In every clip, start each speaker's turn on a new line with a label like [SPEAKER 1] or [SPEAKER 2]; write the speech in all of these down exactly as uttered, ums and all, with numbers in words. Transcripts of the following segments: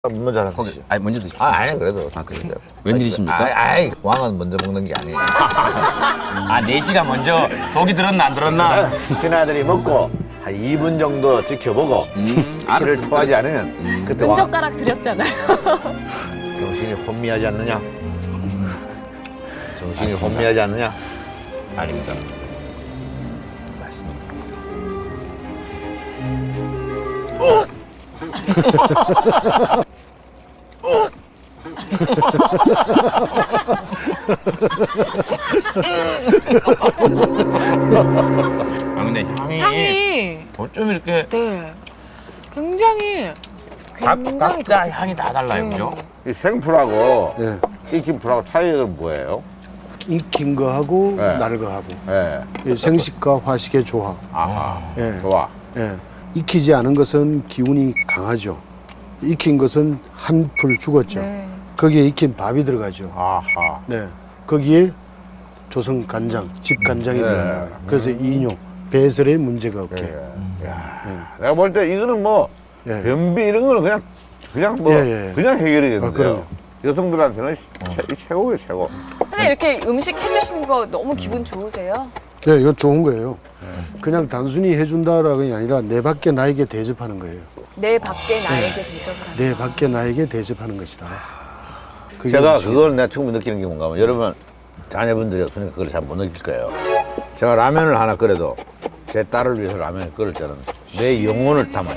[SPEAKER 1] 먼저 하나 드시죠.
[SPEAKER 2] 아니 먼저 드십시오.
[SPEAKER 1] 아, 아니 그래도.
[SPEAKER 2] 아, 그래요? 웬일이십니까?
[SPEAKER 1] 아이, 아이, 왕은 먼저 먹는 게 아니에요.
[SPEAKER 2] 아, 네시가 먼저 독이 들었나 안 들었나?
[SPEAKER 1] 신하들이 먹고 한 이 분 정도 지켜보고
[SPEAKER 2] 음,
[SPEAKER 1] 피를 토하지 않으면 그때 왕
[SPEAKER 3] 끈적가락 드렸잖아요.
[SPEAKER 1] 정신이 혼미하지 않느냐? 정신이 혼미하지 않느냐?
[SPEAKER 2] 아닙니다.
[SPEAKER 1] 맛있습니다.
[SPEAKER 2] 아 근데 향이,
[SPEAKER 3] 향이
[SPEAKER 2] 어쩜 이렇게
[SPEAKER 3] 네 굉장히
[SPEAKER 2] 각,
[SPEAKER 3] 굉장히
[SPEAKER 2] 각자
[SPEAKER 3] 좋다.
[SPEAKER 2] 향이 다 달라요,
[SPEAKER 3] 네.
[SPEAKER 2] 그죠?
[SPEAKER 1] 이 생풀하고
[SPEAKER 4] 네.
[SPEAKER 1] 익힌 풀하고 차이가 뭐예요?
[SPEAKER 4] 익힌 거하고
[SPEAKER 1] 네.
[SPEAKER 4] 날 거하고
[SPEAKER 1] 예.
[SPEAKER 4] 이 생식과 화식의 조합.
[SPEAKER 1] 아하.
[SPEAKER 4] 예.
[SPEAKER 1] 좋아.
[SPEAKER 4] 예. 익히지 않은 것은 기운이 강하죠. 익힌 것은 한 풀 죽었죠.
[SPEAKER 3] 네.
[SPEAKER 4] 거기에 익힌 밥이 들어가죠.
[SPEAKER 1] 아하.
[SPEAKER 4] 네. 거기에 조선 간장, 집 간장이
[SPEAKER 1] 네.
[SPEAKER 4] 들어간다. 그래서 이뇨, 배설에 문제가 없게.
[SPEAKER 1] 예. 야. 내가 볼 때 이거는 뭐
[SPEAKER 4] 예.
[SPEAKER 1] 변비 이런 거는 그냥 그냥 뭐
[SPEAKER 4] 예, 예.
[SPEAKER 1] 그냥 해결이겠는데요.
[SPEAKER 4] 아, 그럼요.
[SPEAKER 1] 여성들한테는 최, 최고예요, 최고.
[SPEAKER 3] 근데 이렇게 음식 해주시는 거 너무 기분 좋으세요?
[SPEAKER 4] 네, 이건 좋은 거예요. 그냥 단순히 해준다라는 게 아니라 내 밖에 나에게 대접하는 거예요.
[SPEAKER 3] 내 밖에 나에게 대접을 하는
[SPEAKER 4] 내 밖에 나에게 대접하는 것이다. 그게
[SPEAKER 1] 제가
[SPEAKER 4] 음식이에요.
[SPEAKER 1] 그걸 내가 충분히 느끼는 게 뭔가 하면 여러분 자녀분들이 없으니까 그걸 잘 못 느낄 거예요. 제가 라면을 하나 끓여도 제 딸을 위해서 라면을 끓일 때는 내 영혼을 담아요.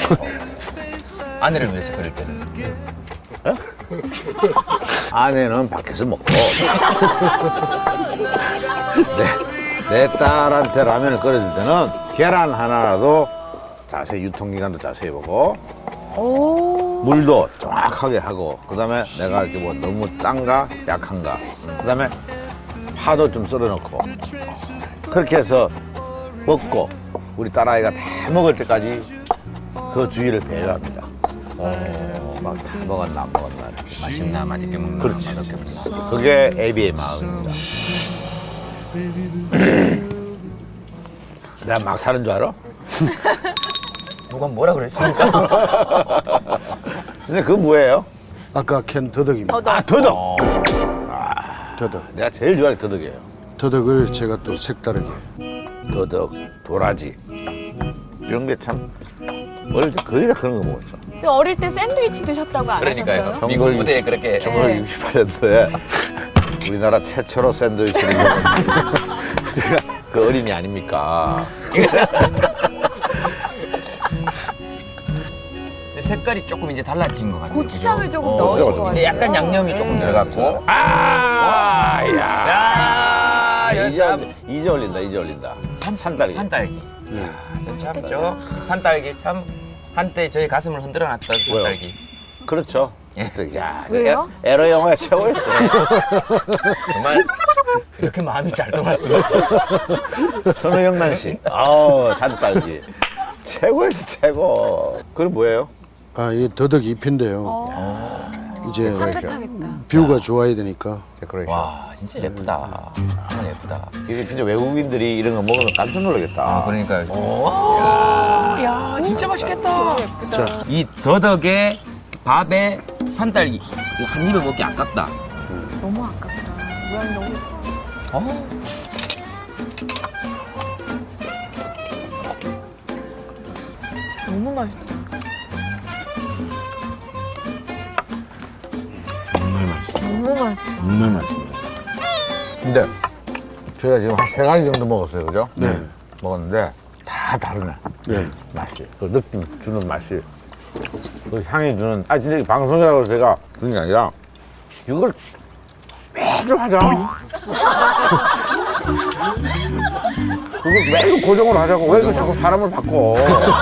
[SPEAKER 2] 아내를 위해서 끓일 때는.
[SPEAKER 1] 아내는 밖에서 먹고 내, 내 딸한테 라면을 끓여줄 때는 계란 하나라도 자세히 유통기간도 자세히 보고
[SPEAKER 3] 오.
[SPEAKER 1] 물도 정확하게 하고 그다음에 내가 이렇게 뭐 너무 짠가 약한가 그다음에 파도 좀 썰어 넣고 그렇게 해서 먹고 우리 딸아이가 다 먹을 때까지 그 주의를 배려합니다. 어, 막 다 먹었나 안 먹었나 이렇게.
[SPEAKER 2] 맛있나 맛있게 먹나
[SPEAKER 1] 그렇지.
[SPEAKER 2] 맛없게 먹나.
[SPEAKER 1] 그게 애비의 마음입니다. 내가 막 사는 줄 알아?
[SPEAKER 2] 누가 뭐라 그랬습니까?
[SPEAKER 1] 선생님 그거 뭐예요?
[SPEAKER 4] 아까 캔 더덕입니다.
[SPEAKER 3] 더덕.
[SPEAKER 1] 아 더덕!
[SPEAKER 2] 어,
[SPEAKER 4] 더덕.
[SPEAKER 1] 내가 제일 좋아하는 게 더덕이에요.
[SPEAKER 4] 더덕을 제가 또 색다르게.
[SPEAKER 1] 더덕, 도라지 이런 게 참 어릴 때 거의 다 그런 거 먹었죠.
[SPEAKER 3] 근데 어릴 때 샌드위치 드셨다고 안
[SPEAKER 2] 그러니까요.
[SPEAKER 3] 하셨어요?
[SPEAKER 2] 미국 무대에 그렇게.
[SPEAKER 1] 천구백육십팔 년도에 우리나라 최초로 샌드위치를 먹은 제가 그 어린이 아닙니까?
[SPEAKER 2] 근데 색깔이 조금 이제 달라진 것 같아요.
[SPEAKER 3] 고추장을
[SPEAKER 2] 그죠?
[SPEAKER 3] 조금
[SPEAKER 2] 어,
[SPEAKER 3] 넣으신
[SPEAKER 1] 그죠.
[SPEAKER 3] 것
[SPEAKER 2] 이제
[SPEAKER 3] 같아요.
[SPEAKER 2] 약간 양념이 조금
[SPEAKER 3] 네.
[SPEAKER 2] 들어갔고.
[SPEAKER 1] 아, 야.
[SPEAKER 2] 야,
[SPEAKER 1] 이제,
[SPEAKER 2] 참,
[SPEAKER 1] 올리- 이제 올린다, 이제 올린다. 산, 산딸기.
[SPEAKER 2] 산딸기.
[SPEAKER 4] 네.
[SPEAKER 2] 참, 저 산딸기 참 한때 저희 가슴을 흔들어놨던
[SPEAKER 1] 왜요?
[SPEAKER 2] 산딸기.
[SPEAKER 1] 그렇죠.
[SPEAKER 2] 예.
[SPEAKER 1] 야,
[SPEAKER 3] 왜요?
[SPEAKER 1] 에, 에러 영화의 최고였어요.
[SPEAKER 2] 정말 이렇게 마음이 잘 통할 수가.
[SPEAKER 1] 선우영란 씨. 아우, 산딸기. 최고였어, 최고. 그건 뭐예요?
[SPEAKER 4] 아, 이게 더덕 잎인데요. 이제
[SPEAKER 3] 따뜻하겠다.
[SPEAKER 4] 뷰가 좋아야 되니까.
[SPEAKER 1] 데코레이션.
[SPEAKER 2] 와 진짜 예쁘다. 정말 예쁘다.
[SPEAKER 1] 이게 진짜 외국인들이 이런 거 먹으면 깜짝 놀라겠다.
[SPEAKER 2] 아 그러니까요. 오, 야 진짜 맛있겠다.
[SPEAKER 4] 자,
[SPEAKER 2] 이 더덕에 밥에 산딸기 이거 한 입에 먹기 아깝다.
[SPEAKER 3] 너무 아깝다. 모양이 너무 예뻐.
[SPEAKER 2] 어.
[SPEAKER 3] 너무 맛있다.
[SPEAKER 2] 정말 맛있어.
[SPEAKER 3] 너무 맛있다.
[SPEAKER 2] 정말 맛있습니다.
[SPEAKER 1] 근데 저희가 지금 한 세 가지 정도 먹었어요, 그죠?
[SPEAKER 4] 네.
[SPEAKER 1] 먹었는데 다 다르네.
[SPEAKER 4] 네.
[SPEAKER 1] 맛이. 그 느낌 주는 맛이. 그 향이 주는. 아, 진짜 방송이라고 제가 그런 게 아니라 이걸 매주 하자. 그걸 매일 고정으로 하자고. 왜 이걸 자꾸 사람을 바꿔.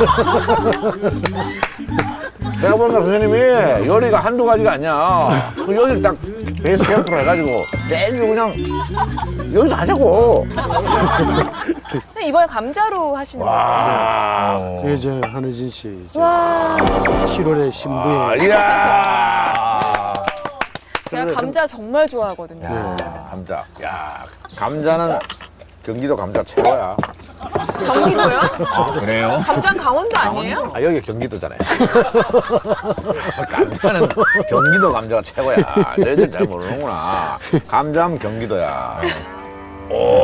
[SPEAKER 1] 내가 보니까 선생님이 요리가 한두 가지가 아니야. 그 여기를 딱 베이스 캠프로 해가지고 매주 그냥 여기서 하자고.
[SPEAKER 3] 근데 이번에 감자로 하시는 거죠?
[SPEAKER 1] 와.
[SPEAKER 4] 그게 이제 한혜진 씨 이제
[SPEAKER 3] 와.
[SPEAKER 4] 칠월에 신부에
[SPEAKER 1] 아, 이야.
[SPEAKER 3] 제가 감자 정말 좋아하거든요.
[SPEAKER 1] 감자. 야, 감자는 경기도 감자 최고야.
[SPEAKER 3] 경기도요?
[SPEAKER 2] 아, 그래요?
[SPEAKER 3] 감자는 강원도 아니에요?
[SPEAKER 1] 아, 여기 경기도잖아요. 감자는 경기도 감자가 최고야. 너희들 잘 모르는구나. 감자하면 경기도야. 오,